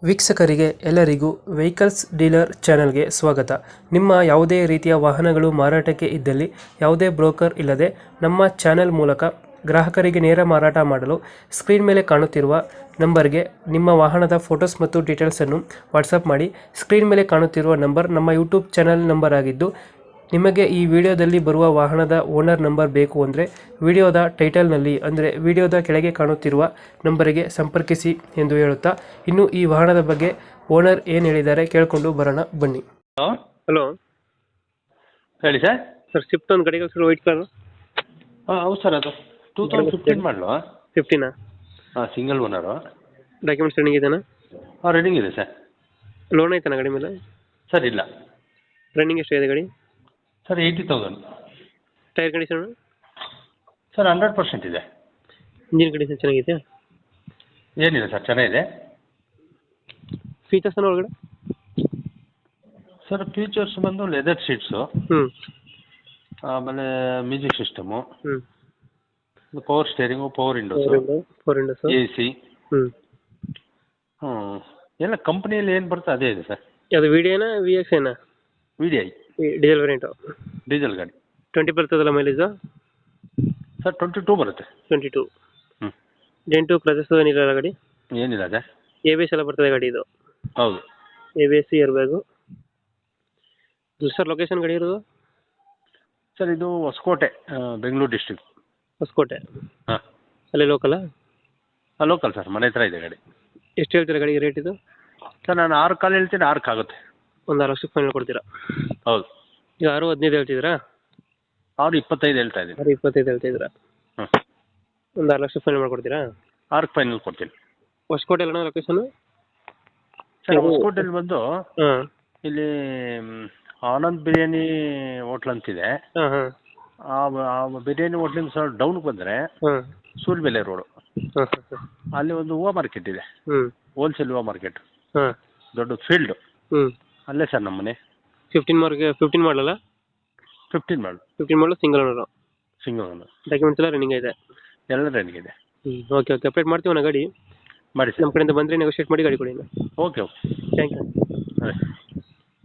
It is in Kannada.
ವೀಕ್ಷಕರಿಗೆ ಎಲ್ಲರಿಗೂ ವೆಹಿಕಲ್ಸ್ ಡೀಲರ್ ಚಾನೆಲ್ಗೆ ಸ್ವಾಗತ. ನಿಮ್ಮ ಯಾವುದೇ ರೀತಿಯ ವಾಹನಗಳು ಮಾರಾಟಕ್ಕೆ ಇದ್ದಲ್ಲಿ ಯಾವುದೇ ಬ್ರೋಕರ್ ಇಲ್ಲದೆ ನಮ್ಮ ಚಾನೆಲ್ ಮೂಲಕ ಗ್ರಾಹಕರಿಗೆ ನೇರ ಮಾರಾಟ ಮಾಡಲು ಸ್ಕ್ರೀನ್ ಮೇಲೆ ಕಾಣುತ್ತಿರುವ ನಂಬರ್ಗೆ ನಿಮ್ಮ ವಾಹನದ ಫೋಟೋಸ್ ಮತ್ತು ಡೀಟೇಲ್ಸನ್ನು ವಾಟ್ಸಪ್ ಮಾಡಿ. ಸ್ಕ್ರೀನ್ ಮೇಲೆ ಕಾಣುತ್ತಿರುವ ನಂಬರ್ ನಮ್ಮ ಯೂಟ್ಯೂಬ್ ಚಾನೆಲ್ ನಂಬರ್ ಆಗಿದ್ದು, ನಿಮಗೆ ಈ ವಿಡಿಯೋದಲ್ಲಿ ಬರುವ ವಾಹನದ ಓನರ್ ನಂಬರ್ ಬೇಕು ಅಂದರೆ ವಿಡಿಯೋದ ಟೈಟಲ್ನಲ್ಲಿ ಅಂದರೆ ವಿಡಿಯೋದ ಕೆಳಗೆ ಕಾಣುತ್ತಿರುವ ನಂಬರಿಗೆ ಸಂಪರ್ಕಿಸಿ ಎಂದು ಹೇಳುತ್ತಾ, ಇನ್ನು ಈ ವಾಹನದ ಬಗ್ಗೆ ಓನರ್ ಏನು ಹೇಳಿದ್ದಾರೆ ಕೇಳಿಕೊಂಡು ಬರೋಣ ಬನ್ನಿ. ಹಲೋ ಹಲೋ ಹೇಳಿ ಸರ್. ಸರ್, ಸ್ವಿಫ್ಟ್ ಒಂದು ಗಾಡಿ ಕಳಿಸಿದ್ರು, ವೈಟ್ ಕಲರ್. ಹಾಂ ಹೌದು ಸರ್, ಅದು 2015 ಮಾಡಲು. 15 ಹಾಂ, ಸಿಂಗಲ್ ಓನರು. ಡಾಕ್ಯುಮೆಂಟ್ಸ್ ರನ್ನಿಂಗ್ ಇದೆನಾ? ಹಾಂ, ರನ್ನಿಂಗ್ ಇದೆ ಸರ್. ಲೋನ್ ಐತನ ಗಾಡಿ ಮೇಲೆ? ಸರ್ ಇಲ್ಲ. ರನ್ನಿಂಗ್ ಎಷ್ಟು ಇದೆ ಗಾಡಿ? ಸರ್ 80,000. Tyre condition? ಸರ್ 100% ಇದೆ. ಇಂಜಿನ್ ಕಂಡೀಷನ್ ಚೆನ್ನಾಗಿದೆ? ಏನಿಲ್ಲ ಸರ್, ಚೆನ್ನಾಗಿದೆ. ಫೀಚರ್ಸ್ ಒಳಗಡೆ? ಸರ್ ಫೀಚರ್ಸ್ ಬಂದು ಲೆದರ್ ಸೀಟ್ಸು, ಆಮೇಲೆ music system, power steering, power windows, A C, ಎಲ್ಲ ಕಂಪ್ನಿಯಲ್ಲಿ ಏನು ಬರುತ್ತೆ ಅದೇ ಇದೆ ಸರ್. ಅದು ವಿ ಡಿ ಐನಾ ವಿ ಎಕ್ಸ್ ಏನಾ? V D I diesel variant. Diesel ಗಾಡಿ. 20 ಬರ್ತದಲ್ಲ ಮೈಲೇಜು? ಸರ್ 22 ಬರುತ್ತೆ. 22. ಡೆಂಟು ಕ್ರಚಸ್ ಏನಿಲ್ಲ ಗಾಡಿ? ಏನಿಲ್ಲ ಸರ್. ಎ ಬಿ ಎಸ್ ಎಲ್ಲ ಬರ್ತದೆ ಗಾಡಿ ಇದು? ಹೌದು. A B S, air bag. Sir location ಗಾಡಿ ಇರೋದು? ಸರ್ ಇದು ಹೊಸಕೋಟೆ, ಬೆಂಗಳೂರು ಡಿಸ್ಟ್ರಿಕ್ಟ್. ಹೊಸಕೋಟೆ? ಹಾಂ. ಅಲ್ಲೇ ಲೋಕಲಾ? ಹಾಂ, ಲೋಕಲ್ ಸರ್, ಮನೆ ಹತ್ರ ಇದೆ ಗಾಡಿ. ಎಷ್ಟು ಹೇಳ್ತೀರಾ ಗಾಡಿಗೆ ರೇಟ್ ಇದು? ಸರ್ ನಾನು 6 ಕಾಲು ಹೇಳ್ತೀನಿ, 6 ಆಗುತ್ತೆ. ಒಂದು 6 ಲಕ್ಷಕ್ಕೆ ಫೈನಲ್ ಕೊಡ್ತೀರಾ? ಹೌದು. ಈಗ 6-15 ಹೇಳ್ತಿದ್ದೀರಾ? 6.25 ಹೇಳ್ತಾ ಇದ್ದೀನಿ. 6.25 ಹೇಳ್ತಿದ್ದೀರಾ? ಹ್ಞೂ. ಒಂದು 6 ಲಕ್ಷ ಫೈನಲ್ ಮಾಡ್ಕೊಡ್ತೀರಾ? 6 ಫೈನಲ್ ಕೊಡ್ತೀನಿ. ಹೊಸಕೋಟೆ ಅಲ್ಲ ಲೊಕೇಶನ್? ಸರ್ ಹೊಸಕೋಟೆಯಲ್ಲಿ ಬಂದು ಹಾಂ, ಇಲ್ಲಿ ಆನಂದ್ ಬಿರಿಯಾನಿ ಹೋಟ್ಲ್ ಅಂತಿದೆ. ಹಾಂ ಹಾಂ. ಆ ಬಿರಿಯಾನಿ ಹೋಟ್ಲಿಂದ ಸರ್ ಡೌನ್ಗೆ ಬಂದರೆ ಹಾಂ, ಸೂಲ್ಬೆಲೆ ರೋಡು, ಹಾಂ ಹಾಂ. ಅಲ್ಲಿ ಒಂದು ಹೂವು ಮಾರ್ಕೆಟ್ ಇದೆ, ಹೋಲ್ಸೇಲ್ ಹೂವು ಮಾರ್ಕೆಟ್, ಹಾಂ, ದೊಡ್ಡ ಫೀಲ್ಡು. ಅಲ್ಲೇ ಸರ್ ನಮ್ಮ ಮನೆ. 15 ಮಾಡಲಲ್ಲ? 15 ಮಾಡು. 15 ಮಾಡಲು single owner? Single owner. Documents ಎಲ್ಲ ರನ್ನಿಂಗ್ ಇದೆ? ಎಲ್ಲ ರನ್ನಿಂಗ್ ಇದೆ. ಓಕೆ ಓಕೆ, ಅಪ್ಡೇಟ್ ಮಾಡ್ತೀವಿ ನಾ ಗಾಡಿ. ಮಾಡಿ ಸರ್. ನಮ್ಮ ಕಡೆಯಿಂದ ಬಂದರೆ ನೆಗೋಷಿಯೇಟ್ ಮಾಡಿ ಗಾಡಿ ಕೊಡಿ. Okay okay, thank you. ಅದೇ.